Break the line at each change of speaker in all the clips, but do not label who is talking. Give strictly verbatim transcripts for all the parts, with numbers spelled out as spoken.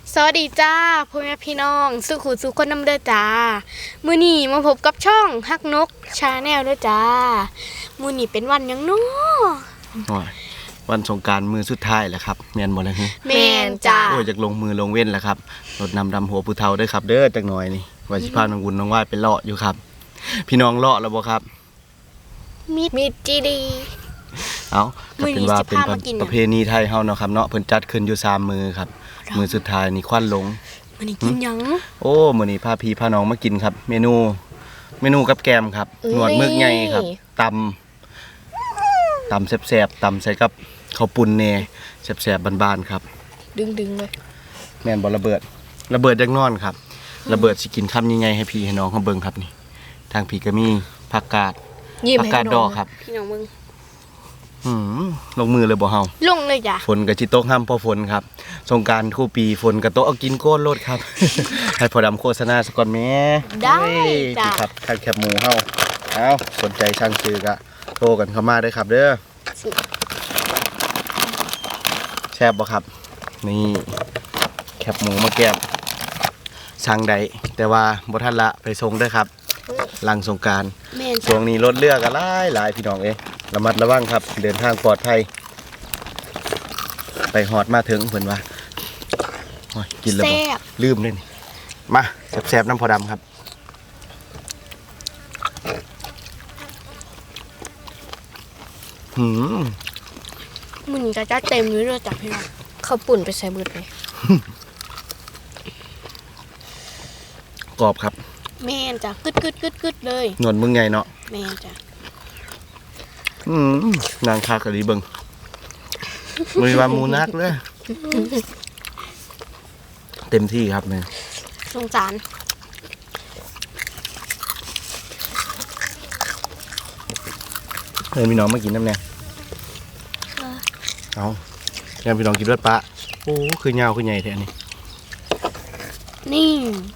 สวัสดีจ้าพ่อแม่พี่น้องสุขุสุขคนน้ำเด้อจ้ามื้อนี้มาพบกับช่องฮักนกชาแนลเด้อจ้ามื้อนี้เป็นวันหยังน้อ
วันสงกรานต์มื้อสุดท้ายแหละครับแม่นบ่ล่ะฮึ
แม่นจ้า
โอ้ยจักลงมือลงเว้นแล้วครับรดน้ำดำหัวผู้เฒ่าเด้อครับเด้อจักหน่อยนี่ว่าสิพาน้องวุ่นน้องว่ายไปเลาะอยู่ครับพี่น้องเลาะแล้วบ่ครับ
มิดมิดจีดี
เอ้าก็เป็นว่าเป็นประเพณีไทยเฮาเนาะครับเนาะเพิ่นจัดขึ้นอยู่สามมื้อครับมื้อสุดท้ายนี่ควันหลง
มื้อนี้กินหยัง
โอ้มื้อนี้พาพี่พาน้องมากินครับเมนูเมนูกับแกมครับหนวดมึกใหญ่ครับตำตำแซ่บๆตำใส่กับข้าวปุ้นแหน่แซ่บๆบ้านๆครับ
ดึงๆเลย
แม่นบ่ระเบิดระเบิดจักนอนครับระเบิดสิกินคำใหญ่ๆให้พี่ให้น้องเฮาเบิ่งครับนี่ทางพี่ก็มีผักกาดผักกาดดอกครับ
พี่น้องมึง
หืมลงมือเลยบ่เฮา
ลงเลยจ้ะ
ฝนก็สิตกห้ามพอฝนครับสงกรานต์คู่ปีฝนก็ตกเอากินโก้นโลดครับ ให้พอดำโฆษณาสักก่อนแม่
ได้จ้ะ
ครับคันแคบหมูเฮาเอ้าสนใจช่างซื้อก็โทรกันเข้ามาได้ครับเด้อแซ่บบ่ครับนี่แคบหมูมาแก้มสั่งใดแต่ว่าบ่ทันละไปส่งเด้อครับหลังสงกรานต์ช่วงนี้รถเรือก็หลายหลายพี่น้องเอ้ระมัดระวังครับเดินทางปลอดภัยไปหอดมาถึงเพิ่นว่าโอ้ยกินแล้วลืมเลยนี่มาแซ่บๆน้ำพอดำครับหืม
มื้อนี้ก็จะเต็มอยู่เลยจ้ะพี่น้องข้าวปุ่นไปใส่เบิดเลย
กรอบครับ
แม่นจ้ะกึดๆๆๆเลย
หนวดมึงไงเนาะ
แม่นจ้ะ
อืมนางคากะดีเบิ่งบริวารมูนักเลยเต็มที่ครับเนี่ย
สงสาร
เฮ้ยพี่น้องมากินน้ำแน่เอาแม่พี่น้องกินรสปลาโอ้คือเงาคือใหญ่แท้นี่
นี่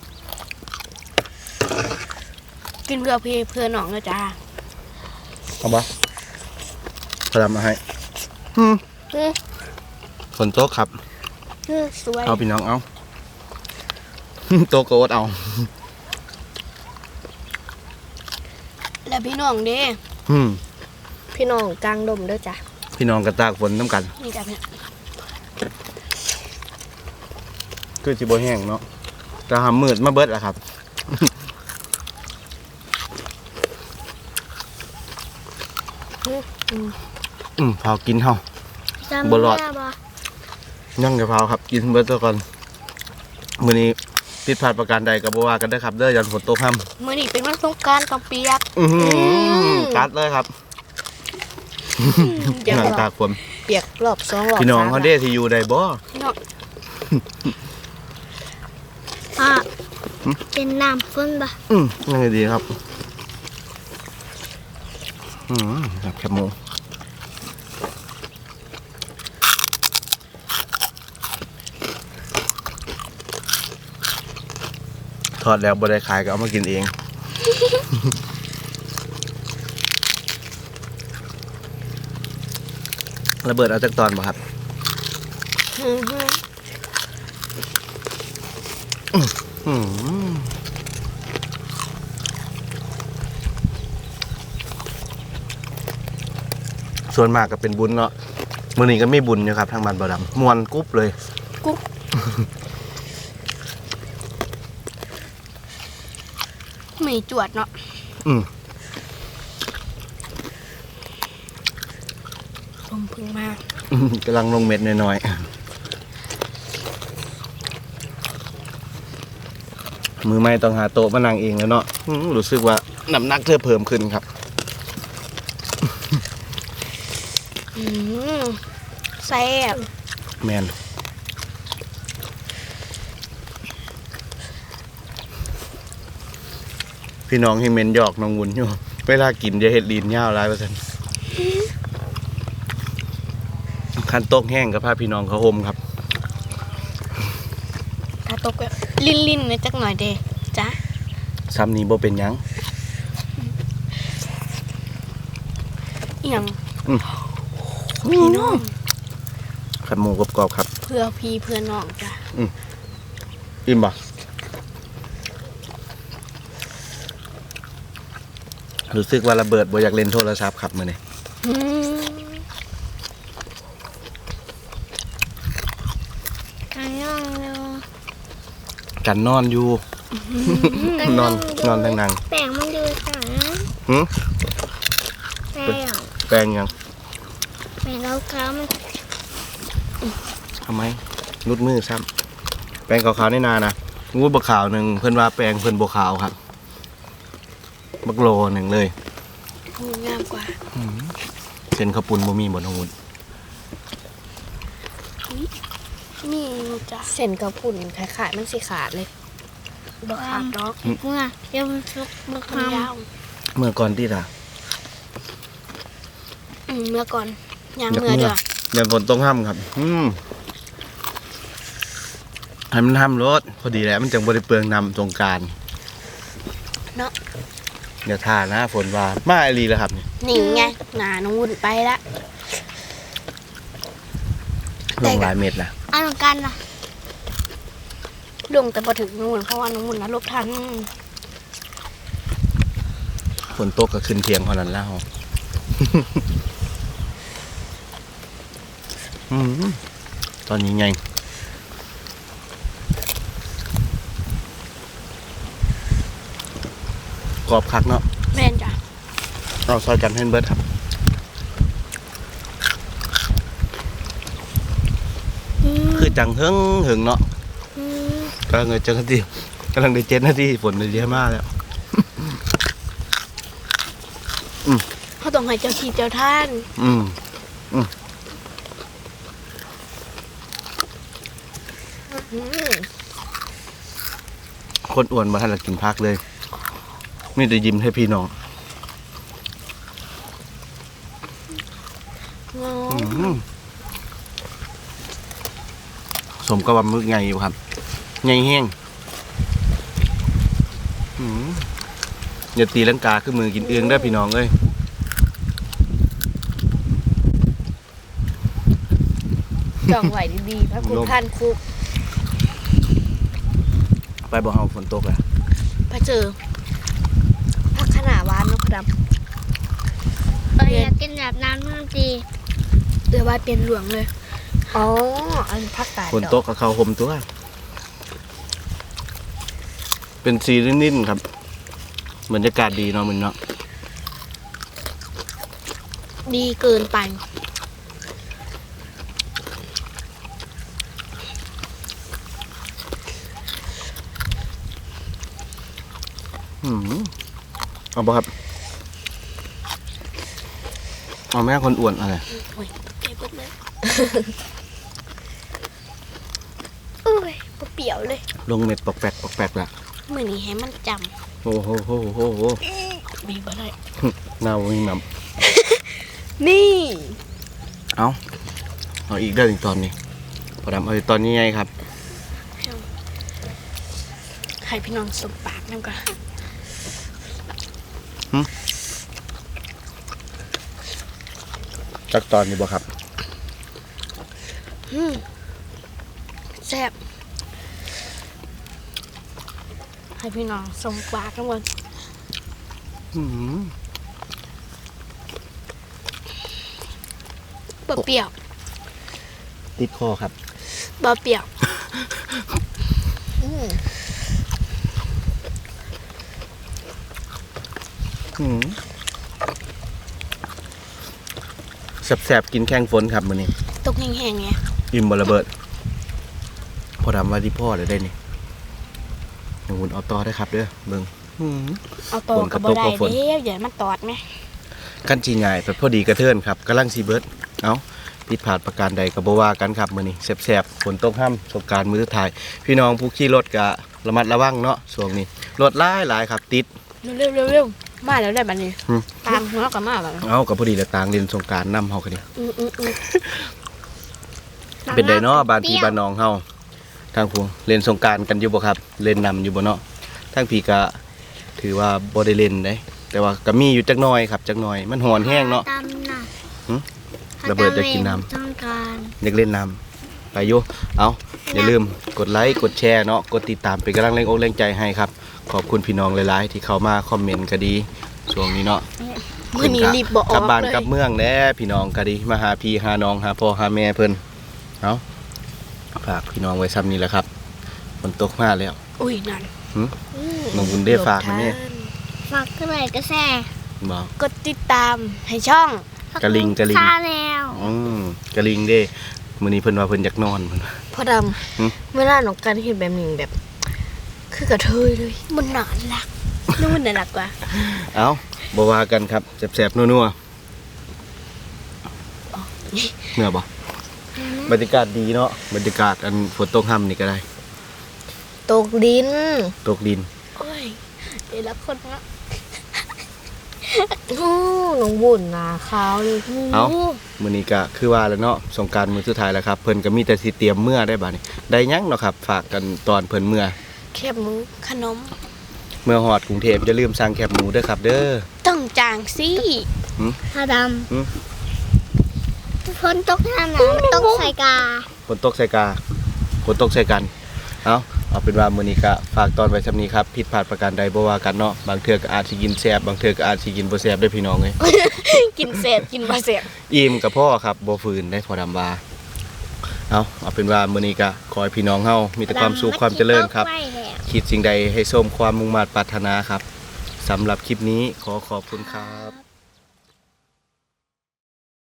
กินเพื่อพี่เพื่อน้องนะจ้า
เอาบ่พอดำมาให้ฝนตกครับ
สวย
เอาพี่น้องเอาโตกโอ๊ตเอา
แล้วพี่น้องเด้พี่น้องกลางดมด้วยจ้ะ
พี่น้องกระตากฝนน้ำกัน
นี่จ้ะพี่
คือจิโบแห้งเนาะจะหามืดมาเบิดแหละครับอืมพากินเฮาบลอดยั่งกับพาครับกินเบิดตัวก่อนมื้อนี้ผิดพลาดประการใดก็บ่ว่ากันได้ครับเด้อยันฝนตกค่
ำมื้อนี้เป็นวันสงกรานต์ต้องเปียก
อือกัดเลยครับหนังตากฝน
เปียกรอบสองรอบ
พี่น้องเขาเด้ที่อยู่ได้บ่
อ่ะเป็นน้ำฝนบ่
อืมยังไงดีครับอืมครับแคบหมูทอดแล้วบ่ได้ขายก็เอามากินเองระเบิดเอาจากตอนบ่ครับส่วนมากก็เป็นบุญเนาะมื้อนี้ก็ไม่บุญอยู่ครับทางบ้านบ่ดำมวนกุ๊บเลย
กุ๊บไม่จวดเนาะ
อืม
ลมพึ่งมาก
กำลังลงเม็ดน้อยๆมือไม่ต้องหาโต๊ะมานั่งเองแล้วเนาะรู้สึกว่าน้ำหนักเธอเพิ่มขึ้นครับ
แซ่บ
แมนพี่น้องให้เมนหยอกน้องวุ่นอยู่เวลากินจะเห็ดลีนยาวหลายเปอร์เซ็นต์คันตกแห้งกับพาพี่น้องเขาอมครับ
ถ้าตกลิ้นลิ้นนะจักหน่อยเด้จ้ะ
ซ้ำนี้บ่เป็นยัง
ยังพี่น้อง
ขัดหมูกรอบๆครับ
เพื่อพี่เพื่อน้องจ้ะ
อิ่มบ่รู้สึกว่าระเบิดบ่อยากเล่นโทรศัพท์ครับมื้อนี้
อืม
กันย่องเร็ว
กันนอนอยู่ นอนนอนทางนั่ง
แป้งมันอยู่สาย
หึ
แป้ง
แปลงยัง
แป้งแล้วเขามัน
ทำไมนุดมือซ้ำแปลงขาวๆในนานะงูบักขาวหนึ่งเพิ่นว่าแปลงเพิ่นบักขาวครับบักโลหนึ่งเลย
หูงามกว่า
เส้นข้าวปุ้นบ่มีบ่น้องวุ้น
มีอยู่จ้ะเส้นกระปุ่นคล้ายๆมันสิขาดเลยบ่ขาดดอก
เมื่อเดี๋ยวมันสุกมัน
มันยาว
เมื่อก่อนที่ล่ะ
อืมเมื่อก่อนยามเมื่อเด้อ
เดี๋ยวฝนต้องห้ามครับ อืมให้มันห้ามรถพอดีแหล้วมันจังบ่ได้เปลืองน้ำสงกรานต์
เนาะ
เดี๋ยวท่านะฝนว่ามาอีหลีแล้วครับนี่
นี่ไงหนาน้องวุ่นไปละ
ลงหลายเม็ดล่ะ
อันกันล่ะ
ลงแต่พอถึงน้องวุ่นเพราะว่าน้องวุ่นนะลบทัน
ฝนตกก็ขึ้นเทียงเท่านั้นแล้ว อืมตอนนี้ไงกรอบคักเนาะ
แม่นจ้ะ
เอาซอยกันให้เบิร์ดครับ
อืม
คือจังเฮิงเหิงเนาะ
อืม
กำลังเลยจังนาทีกำลังได้เจ็ดนาทีฝนเลยเยอะมากแล้ว
เขาต้องให้เจ้าที่เจ้าท่าน
อืม
อืม
คนอ้วนมาทันละกินพักเลยมีแต่ยิ้มให้พี่น้อง
งอ
อืมสมกับว่ามึกไงอยู่ครับไงแห้งอืมอย่าตีลังกาขึ้นมือกินเอื้องได้อพี่น้องเอ้ย
จองไหวดีๆพระคุณท่านคุก
ไปบ่เฮาฝนตกอ่ะ
พระเจอพักขนาดวานนกดำ
เอออยากกินแบบน้ำมันดี
เรือว่าเป็นหลวงเลย อ๋อ อันพักตาด
ฝนตกกับเขาห่มตัว เป็นสีนิ่นๆครับบรรยากาศดีเนาะมันเนาะ
ดีเกินไป
อืมเอาบ่ครับเอาแม่คนอ้วนอะไร
โอ้ยเก็บหมดเลย โอ้ยบ่เปรี้ยวเลย
ลงเม็ดปอกแปกปอกแปกละ
มือนี้ให้มันจ
โอ้โหโหโหโห
ำมีบ่ได้
หน้าวิ่งน้
นี่
ำเอาเอาอีกได้ถึงตอนนี้พอดำเอาอีกตอนนี้ไงครับ
ให้พี่น้องสมปากน้ำกัน
จักตอนนี้บ่ครับ
อืมแซ่บให้พี่น้องสมปากน้ำกัน
อืม
บ่เปรี้ยว
ติดคอครับ
บ่เปรี้ยวอืม
อืมแสบๆกินแข้งฝนครับมื้อนี้
ตกแห้งๆไง
อิ่มบ่ระเบิด พอดำว่าที่พ่อเลยได้นี่หนูเอาต่อได้ครับเด้อเบิ่งอืม
เอาต่อ
ฝนก
กั
ระ
บ
ต
บ่
ก
ได้
กับฝน
เด้อย่ามันตอดไหม
กันจีง่ายไปพอดีกระเทินครับกำลังสีเบิร์ดเอาผิดพลาดประการใดก็บ่ว่ากันครับมื้อนี้แสบๆฝนตกห้ามสงกรารมื้อสุดท้ายพี่น้องผู้ขี่รถก็ระมัดระวังเนาะช่วงนี้รถหลายหลายครับติด
เร็วๆเร็วๆมาแล้วได้บัดนี้
อืม
ตามหัวกับมาแล้ว
เอากับพอดีแล้วต่างเล่นสงกรารนำเฮากันนี่
อืมอืมอืม
เป็นไดเนาะบ้านพี่บ้านน้องเฮาทางพวงเล่นสงกรารกันอยู่บ่ครับ เล่นนำอยู่บ่เนาะทางพี่ก็ถือว่าบ่ได้เล่นเด้แต่ว่าก็มีอยู่จักหน่อยครับจักหน่อยมันหอนแห้งเนาะ
ตำน่ะ
หึระเบิดจะกินน้ำ
ต้องการ
อยากเล่นน้ำไปอยู่เอาอย่าลืมกดไลค์กดแชร์เนาะกดติดตามเป็นกำลังแรงอกแรงใจให้ครับขอบคุณพี่น้องหลายๆที่เข้ามาคอมเมนต์ก็ดีช่วงนี้เนาะ
มื้อนี้รีบบ่ออก
กลับบ้าน
เลย
กลับเมืองแน่พี่น้องก็ดีมาหาพี่หาน้องหาพ่อหาแม่เพิ่นเอาฝากพี่น้องไว้ซ้ำนี้แหละครับฝนตกมาแล้ว
อุ้ยนั่น
หึน้องบุญได้ฝากนะเนี่ย
ฝากก็เลยก็แซ่
บอก
กดติดตามให้ช่อง
กะลิงกะลิง
ชาแนล
อืมกะลิงเด้มื้อนี้เพิ่นว่าเพิ่นอยากนอนเพิ่นว่า
พ่อด
หึ
ำเวลาน้องกันเห็นแบบนี้แบบ คือกระเทยเลยมันน่ารักนู่นน่ารักกว่า
เอาบ่ว่ากันครับแซ่บๆนัวๆเมื่อบ่บรรยากาศดีเนาะบรรยากาศอันฝนตกห่ำนี่ก็ได้
ตกดิน
ตกดิน
โอ้ยเดี๋ยวละคนนะโอ้น้องบุญนาขาวเลย
เอ้า มื้อนี้ก็คือว่าแล้วเนาะสงกรานต์มื้อสุดท้ายแล้วครับเพิ่นก็มีแต่สิเตรียมเมื่อได้บัดนี้ได้หยังเนาะครับฝากกันตอนเพิ่นเมื่อ
แคบหมูขนม
เมื่อฮอดกรุงเทพอย่าลืมสั่งแคบหมูเด้อครับ เด้อ
ต้องจางสิ
พาด
หึ
ำฝนตกน้ำหนาวมันตกใส่กา
ฝนตกใส่กาฝนตกใส่กัน เอาเอาเป็นว่ามื้อนี้ก็ฝากตอนไว้ซำนี้ครับผิดพลาดประการใดบ่ว่ากันเนาะบางเทื่อก็อาจสิกินแซ่บบางเทื่อก็อาจสิกินบ่แซ่บได้อพี่น้องเอ้ย
กินเศษกินปลาเศษ
อิ่มกับพ่อครับบ่ฝืนได้พอดำว่าเอาเอาเป็นว่ามื้อนี้ก็ขอให้พี่น้องเฮามีแต่ความสุขความเจริญครับ
ไว้แล้ว
คิดสิ่งใดให้สมความมุ่งมั่นปรารถนาครับสำหรับคลิปนี้ขอขอบคุณครับ